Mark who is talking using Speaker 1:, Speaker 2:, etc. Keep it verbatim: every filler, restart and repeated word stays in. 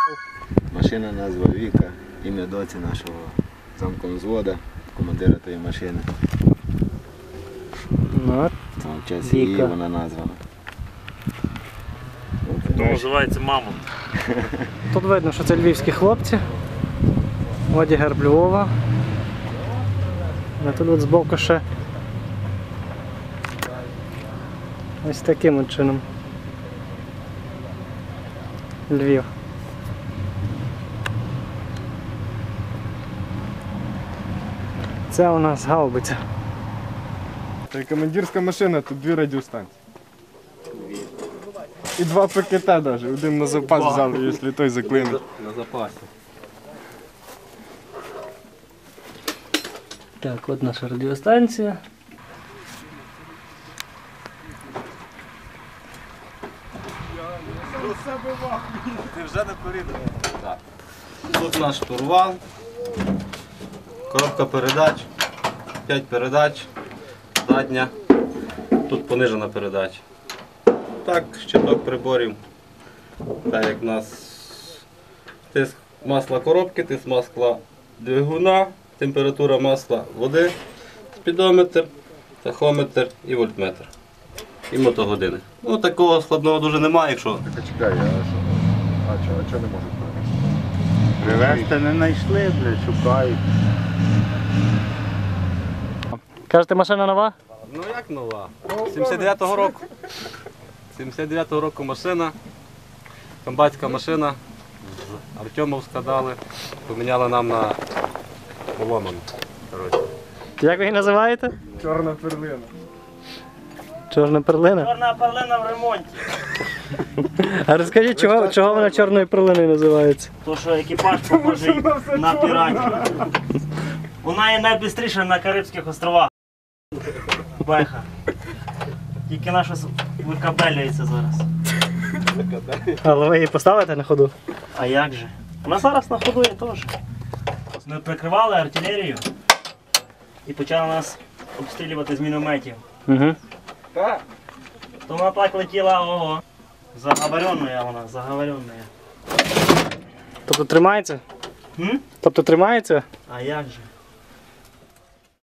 Speaker 1: Машина назва Віка, ім'я доці нашого замкомзвода, командира тої машини.
Speaker 2: Ну,
Speaker 1: В честь її вона названа.
Speaker 3: То називається Мамонт.
Speaker 2: тут видно, що це львівські хлопці. Оді герб Львова. А тут от збоку ще ось таким от чином. Львів. Це у нас гаубиця.
Speaker 4: Це командирська машина, тут дві радіостанції. І два ПКТ навіть, один на запас взяли, якщо той заклинить.
Speaker 1: На запасі.
Speaker 2: Так, от наша радіостанція.
Speaker 1: Ти вже не порідав. Так. Тут наш штурвал, коробка передач, п'ять передач, задня, тут понижена передача. Так, щиток приборів, так як у нас тиск масла коробки, тиск масла двигуна, температура масла води, спідометр, тахометр і вольтметр. І мотогодини. Ну такого складного дуже немає, якщо...
Speaker 5: Чекай, а що? А чого, а чого не можуть привезти?
Speaker 6: Привезти не знайшли, блядь, шукають.
Speaker 2: Кажете, машина нова?
Speaker 1: Ну як нова? сімдесят дев'ятого року. сімдесят дев'ятого року машина, комбатська машина, з Артемовська дали, поміняли нам на поломану.
Speaker 2: Як ви її називаєте?
Speaker 4: Чорна перлина.
Speaker 2: Чорна перлина?
Speaker 3: Чорна перлина в ремонті.
Speaker 2: А розкажіть, чого, чого вона чорною перлиною називається?
Speaker 3: То, що екіпаж похожий на піратів. Вона є найбистріша на Карибських островах. Беха. Тільки наша викабелюється зараз.
Speaker 2: Але ви її поставите на ходу?
Speaker 3: А як же? Вона зараз на ходу є теж. Ми прикривали артилерію і почали нас обстрілювати з мінометів.
Speaker 2: Угу.
Speaker 3: То вона так летіла, ого. Заговоренная вона, заговоренная.
Speaker 2: Тобто тримається?
Speaker 3: М?
Speaker 2: Тобто тримається?
Speaker 3: А як же?